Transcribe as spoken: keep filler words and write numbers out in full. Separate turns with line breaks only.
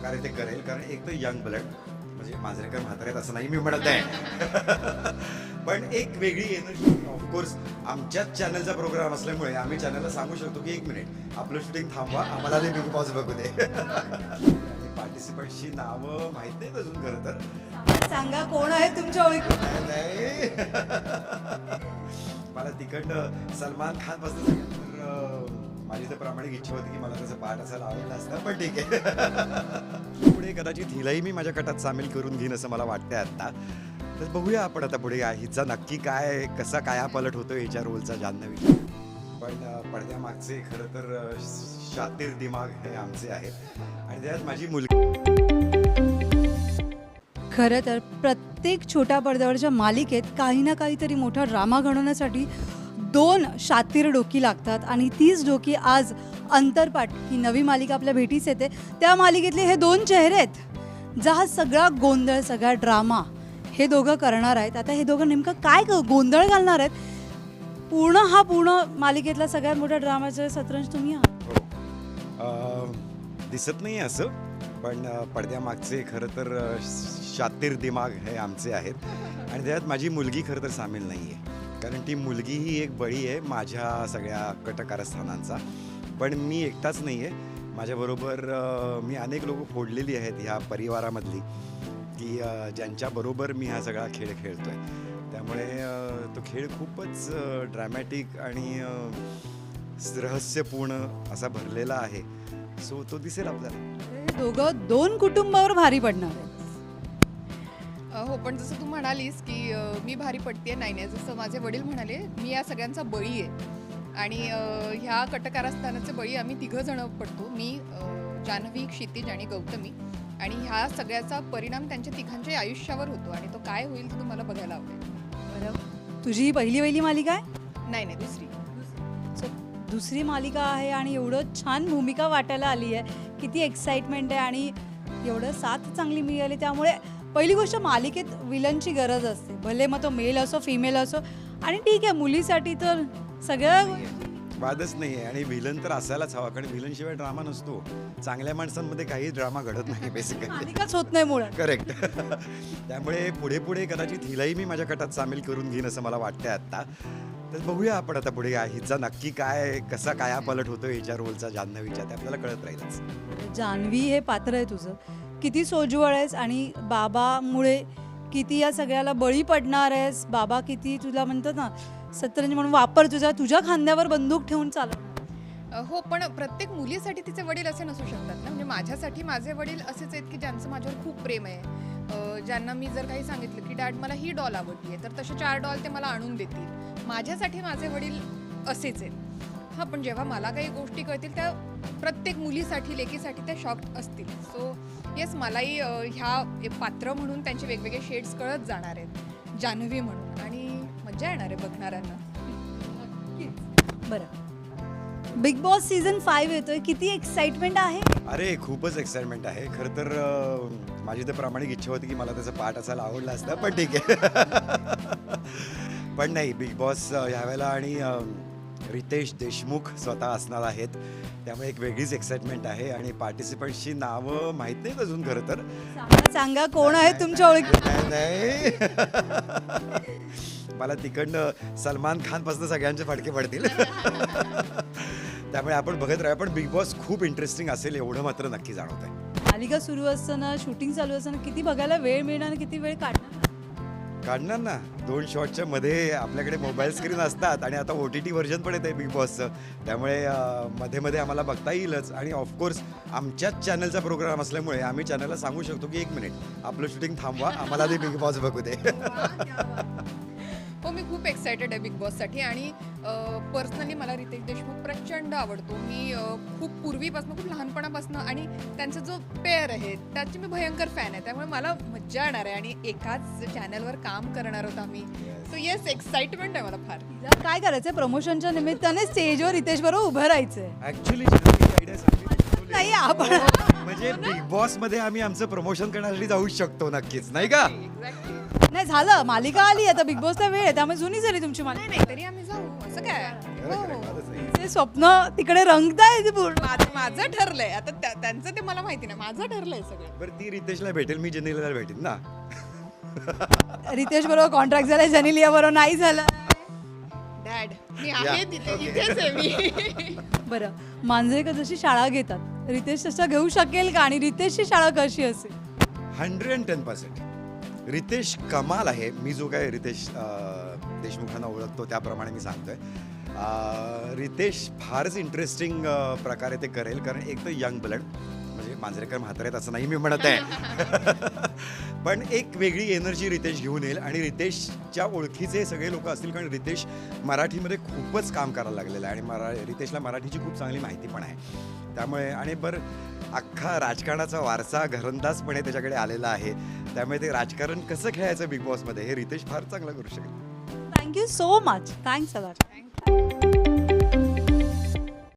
प्रकारे ते करेल, कारण एक तर यंग ब्लड, म्हणजे मांजरेकर म्हातारे आहेत असं नाही मी म्हणत आहे, पण एक वेगळी एनर्जी. ऑफकोर्स आमच्याच चॅनलचा प्रोग्राम असल्यामुळे आम्ही चॅनलला सांगू शकतो की एक मिनिट आपलं शूटिंग थांबवा, आम्हाला ते बिग बॉस बघू दे. पार्टिसिपंटची नावं माहीत नाहीत अजून खरं तर.
सांगा कोण आहे तुमच्या ओळखी?
नाही मला तिकडनं सलमान खान पासून माझी तर प्रामाणिक इच्छा होती की मला त्याचं पाठ असायला आवडलं असतं, पण ठीक आहे. पुढे कदाचित हिलाही मी माझ्या कटात सामील करून घेईन असं मला वाटतंय आता. तर बघूया आपण आता पुढे हिचा नक्की काय कसा काया पलट होतो हिच्या रोलचा जान्हवी. पण पडद्यामागचे खरं तर शातीर दिमाग हे आमचे आहेत आणि त्यात माझी मुलगी.
खरं तर प्रत्येक छोट्या पडद्यावरच्या मालिकेत काही ना काहीतरी मोठा ड्रामा घडवण्यासाठी दोन शातीर डोकी लागतात आणि तीच डोकी आज अंतरपाठ ही नवी मालिका आपल्या भेटीस येते. त्या मालिकेतले हे दोन चेहरे आहेत ज्या हा सगळा गोंधळ सगळा ड्रामा हे दोघं करणार आहेत. आता हे दोघं नेमकं काय गोंधळ घालणार आहेत, पूर्ण हा पूर्ण मालिकेतला सगळ्यात मोठा ड्रामाचा सतरंज तुम्ही आहात.
दिसत नाही असं, पण पडद्यामागचे खरं तर शातीर दिमाग हे आमचे आहेत आणि त्यात माझी मुलगी खरं तर सामील नाही आहे, कारण ती मुलगी ही एक बळी आहे माझ्या सगळ्या कटकारस्थानांचा. पण मी एकटाच नाही आहे, माझ्याबरोबर मी अनेक लोक फोडलेली आहेत ह्या परिवारामधली की ज्यांच्याबरोबर मी हा सगळा खेळ खेळतो आहे. त्यामुळे तो खेळ खूपच ड्रॅमॅटिक आणि रहस्यपूर्ण असा भरलेला आहे. सो तो दिसेल आपल्याला.
दोघं दोन कुटुंबावर भारी पडणार आहेत.
हो, पण जसं तू म्हणालीस की मी भारी पडते, नाही नाही, जसं माझे वडील म्हणाले मी या सगळ्यांचा बळी आहे आणि ह्या कटकारस्थानाचे बळी आम्ही तिघं जण पडतो. मी, जान्हवी, क्षितिज आणि गौतमी. आणि ह्या सगळ्याचा परिणाम त्यांच्या तिघांच्या आयुष्यावर होतो आणि तो काय होईल ते तुम्हाला बघायला आवडेल.
बरं, तुझी पहिली पहिली मालिका आहे?
नाही नाही, दुसरी
दुसरी मालिका आहे आणि एवढं छान भूमिका वाटायला आली आहे, किती एक्साइटमेंट आहे आणि एवढं साथ चांगली मिळाली. त्यामुळे पहिली गोष्ट मालिकेत विलनची गरज असते, भले मग तो मेल असो फिमेल असो. आणि ठीक आहे, मुलीसाठी तर सगळं
वादच नाही आहे आणि विलन तर असायलाच हवा, कारण विलनशिवाय ड्रामा नसतो. चांगल्या माणसांमध्ये काही ड्रामा घडत नाही बेसिकली,
मालिकाच होत नाही मुळात.
करेक्ट. त्यामुळे पुढे पुढे कदाचित हिलाही मी माझ्या कटात सामील करून घेईन असं मला वाटतंय आत्ता. तर बघूया आपण आता पुढे हिचा नक्की काय कसा काया पलट होतो हिच्या रोलचा जान्हवीच्या, ते आपल्याला कळत राहीलच.
जान्हवी हे पात्र आहे तुझं, किती सोज्वळ आहेस आणि बाबामुळे किती या सगळ्याला बळी पडणार आहेस. बाबा किती तुला म्हणतात ना सतरंज म्हणून वापर, तुझ्या तुझ्या खांद्यावर बंदूक ठेवून चालव.
हो, पण प्रत्येक मुलीसाठी तिचे वडील असे नसू शकतात ना. म्हणजे माझ्यासाठी माझे वडील असेच आहेत की ज्यांचं माझ्यावर खूप प्रेम आहे, ज्यांना मी जर काही सांगितलं की डॅड मला ही डॉल आवडली आहे तर तसे चार डॉल ते मला आणून देतील. माझ्यासाठी माझे वडील असेच आहेत. हां, पण जेव्हा मला काही गोष्टी कळतील त्या प्रत्येक मुलीसाठी लेकीसाठी त्या शॉक असतील. सो येस, मलाही ह्या पात्र म्हणून त्यांचे वेगवेगळे शेड्स कळत जाणार आहेत जान्हवी म्हणून, आणि मजा येणार आहे बघणाऱ्यांना.
बरं, बिग बॉस सीझन फाईव्ह येतोय, किती एक्साइटमेंट आहे?
अरे खूपच एक्साइटमेंट आहे. खरं तर माझी तर प्रामाणिक इच्छा होती की मला त्याचं पाठ असायला आवडलं असतं, पण ठीक आहे. पण नाही, बिग बॉस ह्यावेळेला आणि रितेश देशमुख स्वतः असणार आहेत, त्यामुळे एक वेगळीच एक्साइटमेंट आहे. आणि पार्टिसिपंट्सची नावं माहीत नाहीत अजून खरं तर.
सांगा कोण आहे तुमच्या ओळखी?
नाही मला तिकडनं सलमान खान पासून सगळ्यांचे फटके पडतील. त्यामुळे आपण बघत राहूया, पण बिग बॉस खूप इंटरेस्टिंग असेल एवढं मात्र नक्की जाणवत आहे.
मालिका सुरू असताना, शूटिंग चालू असताना किती बघायला वेळ मिळणार आणि किती वेळ काढणार?
काढणार ना, दोन शॉटच्या मध्ये आपल्याकडे मोबाईल स्क्रीन असतात आणि आता ओ टी टी व्हर्जन पण येत आहे बिग बॉसचं, त्यामुळे मध्ये मध्ये आम्हाला बघता येईलच. आणि ऑफकोर्स आमच्याच चॅनलचा प्रोग्राम असल्यामुळे आम्ही चॅनलला सांगू शकतो की एक मिनिट आपलं शूटिंग थांबवा, आम्हाला ते बिग बॉस बघू दे.
हो, मी खूप एक्सायटेड आहे बिग बॉससाठी. आणि पर्सनली मला रितेश देशमुख प्रचंड आवडतो. मी खूप पूर्वीपासून, खूप लहानपणापासून, आणि त्यांचा जो पेअर आहे त्याची मी भयंकर फॅन आहे. त्यामुळे मला मज्जा येणार आहे आणि एकाच चॅनलवर काम करणार होतो आम्ही. सो येस, एक्साइटमेंट आहे मला फार.
काय करायचंय, प्रमोशनच्या निमित्ताने स्टेजवर रितेश बरोबर उभं राहायचंय.
ऍक्च्युली आयडिया सांगितली
नाही आपण
म्हणजे बिग बॉस मध्ये आम्ही आमचं प्रमोशन करण्यासाठी जाऊ शकतो नक्कीच, नाही का?
नाही झालं, मालिका आली आता, बिग बॉसचा वेळ आहे, त्यामुळे जुनी झाली तुमची मालिका.
नाही नाही, तरी आम्ही जाऊ, असं काय. हो हो.
म्हणजे स्वप्न तिकडे रंगताय पूर्ण.
माझं माझं ठरलंय आता त्या- त्यांचं ते मला माहिती नाही, माझं ठरलंय सगळं.
बरं ती रितेशला भेटेल, मी जेनेलियाला भेटेन ना.
रितेश बरोबर कॉन्ट्रॅक्ट झालाय, जनिलिया बरोबर नाही झाला.
डॅड मी आहे तिथे, इथेच आहे मी.
बरं, मांजरेकर जशी शाळा घेतात रितेश तसं घेऊ शकेल का, आणि रितेशची शाळा कशी असेल?
Hundred and ten percent Ritesh कमाल आहे. मी जो काय रितेश अं, देशमुखांना ओळखतो त्याप्रमाणे मी सांगतोय. अं, रितेश फारच इंटरेस्टिंग प्रकारे ते करेल, कारण एक तर यंग ब्लड, म्हणजे मांजरेकर म्हातारे आहेत असं नाही मी म्हणत आहे. पण एक वेगळी एनर्जी रितेश घेऊन येईल, आणि रितेशच्या ओळखीचे सगळे लोक असतील, कारण रितेश मराठीमध्ये खूपच काम करायला लागलेलं आहे, आणि मरा रितेशला मराठीची खूप चांगली माहिती पण आहे. त्यामुळे आणि बरं अख्खा राजकारणाचा वारसा घरंदाजपणे त्याच्याकडे आलेला आहे, त्यामुळे ते राजकारण कसं खेळायचं बिग बॉसमध्ये हे रितेश फार चांगलं करू शकेल.
Thank you so much. Thanks a lot.
Thank you.